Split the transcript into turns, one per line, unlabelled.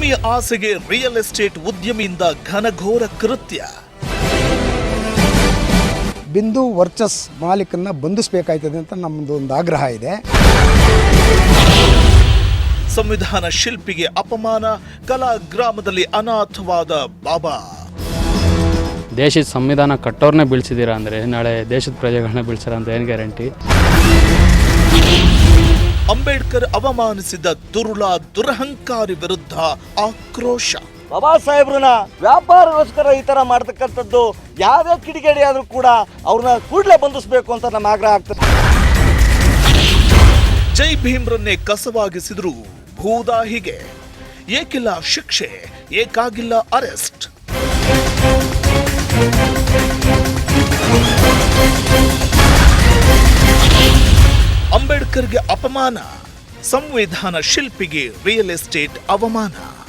ಭೂಮಿಯ ಆಸೆಗೆ real estate ಉದ್ಯಮಿಯಿಂದ ಘನಘೋರ ಕೃತ್ಯ.
ಬಿಂದು ವರ್ಚಸ್ ಮಾಲೀಕನ್ನ ಬಂಧಿಸಬೇಕಾಯ್ತದೆ ಅಂತ ನಮ್ಮದು ಒಂದು ಆಗ್ರಹ ಇದೆ.
ಸಂವಿಧಾನ ಶಿಲ್ಪಿಗೆ ಅಪಮಾನ, ಕಲಾ ಗ್ರಾಮದಲ್ಲಿ ಅನಾಥವಾದ ಬಾಬಾ.
ದೇಶದ ಸಂವಿಧಾನ ಕಟ್ಟೋರ್ನೇ ಬೀಳ್ಸಿದ್ದೀರಾ ಅಂದರೆ ನಾಳೆ ದೇಶದ ಪ್ರಜೆಗಳನ್ನ ಬೀಳ್ಸಾರ ಅಂತ ಏನು ಗ್ಯಾರಂಟಿ?
ಅಂಬೇಡ್ಕರ್ ಅವಮಾನಿಸಿದ ದುರಹಂಕಾರಿ ವಿರುದ್ಧ ಆಕ್ರೋಶ.
ಬಾಬಾ ಸಾಹೇಬ್ರನ್ನ ವ್ಯಾಪಾರಗೋಸ್ಕರ ಈ ತರ ಮಾಡ್ತಕ್ಕಂಥದ್ದು ಯಾವುದೇ ಕಿಡಿಗೇಡಿ ಆದ್ರೂ ಕೂಡ ಅವ್ರನ್ನ ಕೂಡಲೇ ಬಂಧಿಸಬೇಕು ಅಂತ ನಮ್ಮ ಆಗ್ರಹ ಆಗ್ತದೆ.
ಜೈ ಭೀಮ್ರನ್ನೇ ಕಸವಾಗಿಸಿದ್ರು ಭೂದಾಹಿಗೆ. ಏಕಿಲ್ಲ ಶಿಕ್ಷೆ, ಏಕಾಗಿಲ್ಲ ಅರೆಸ್ಟ್. ಅಂಬೇಡ್ಕರ್ಗೆ ಅಪಮಾನ, ಸಂವಿಧಾನ ಶಿಲ್ಪಿಗೆ ರಿಯಲ್ ಎಸ್ಟೇಟ್ ಅವಮಾನ.